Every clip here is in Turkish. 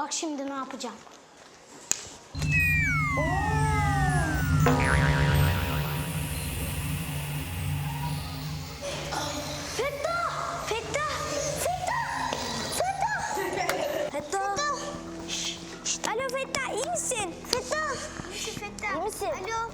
Bak şimdi ne yapacağım. Fettah! Fettah! Fettah! Fettah! Fettah! Şşt. Alo Fettah, iyi misin? Fettah! Fettah. İyi misin? Alo.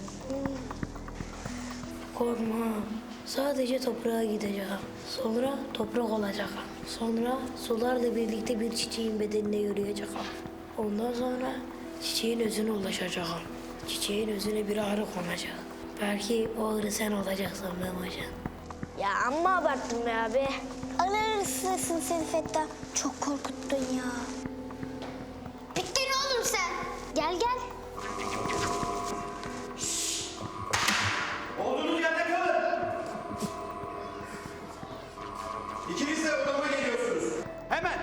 Korkma. Sadece toprağa gideceğim. Sonra toprak olacağım. Sonra sularla birlikte bir çiçeğin bedenine yürüyeceğim. Ondan sonra çiçeğin özüne ulaşacağım. Çiçeğin özüne bir ağrı konacak. Belki o ağrı sen olacaksın Memocan. Ya amma abarttın be abi. Alırsın seni Fettah. Çok korkuttun ya. Bittin oğlum sen. Gel gel. Olduğunuz yerde kalın. İkiniz de odama geliyorsunuz. Hemen.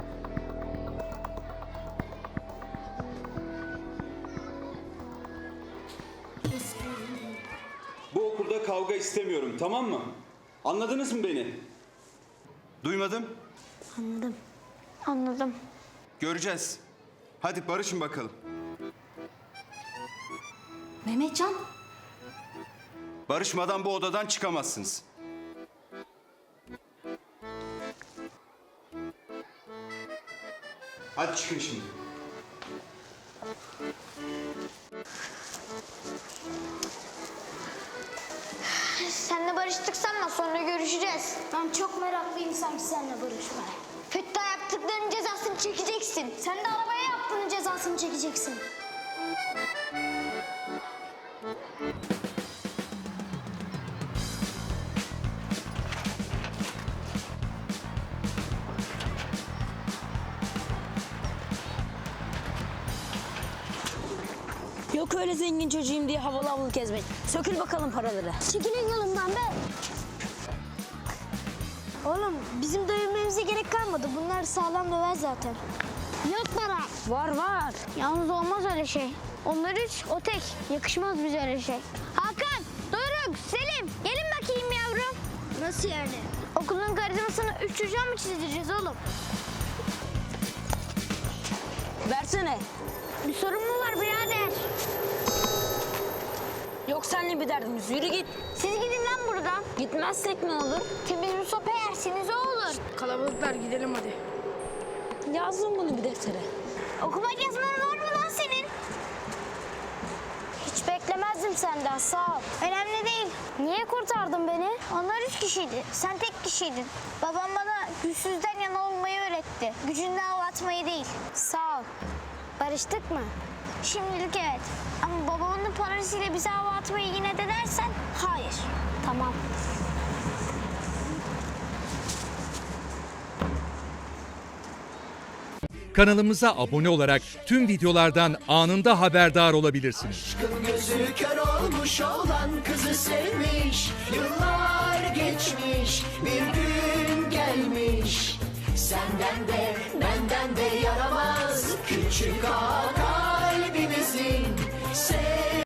Bu okulda kavga istemiyorum, tamam mı? Anladınız mı beni? Duymadım. Anladım. Göreceğiz. Hadi barışın bakalım. Mehmetcan. Barışmadan bu odadan çıkamazsınız. Hadi çıkın şimdi. Seninle barıştık sanma, sonra görüşeceğiz. Ben çok meraklıyım sanki seninle barışmaya. Fettah yaptıklarının cezasını çekeceksin. Sen de arabaya yaptığının cezasını çekeceksin. Yok öyle zengin çocuğum diye havalı havalı gezmek. Sökül bakalım paraları. Çekilin yolumdan be. Oğlum bizim dövülmemize gerek kalmadı. Bunlar sağlam döver zaten. Yok para. Var var. Yalnız olmaz öyle şey. Onlar üç, o tek. Yakışmaz bize öyle şey. Hakan, Doruk, Selim. Gelin bakayım yavrum. Nasıl yani? Okulun karizmasını üç çocuğa mı çizdireceğiz oğlum? Versene. Bir sorun mu var birader? Yok seninle bir derdimiz. Yürü git. Siz gidin lan buradan. Gitmezsek ne olur? Temiz bir sopa yersiniz o olur. Kalabalıklar gidelim hadi. Yazdım bunu bir deftere. Okumak yazman var mı lan senin? Hiç beklemezdim senden, sağ ol. Önemli değil. Niye kurtardın beni? Onlar üç kişiydi, sen tek kişiydin. Babam bana güçsüzden yana olmayı öğretti. Gücünden hava atmayı değil. Sağ ol. Barıştık mı? Şimdilik evet. Ama babamın parasıyla bize hava atmayı yine de dersen hayır. Tamam. Kanalımıza abone olarak tüm videolardan anında haberdar olabilirsiniz. Aşkın gözü kör olmuş olan kızı sevmiş. Yıllar geçmiş, bir gün gelmiş. Senden de benden de yaramaz küçük ağa kalbimizin.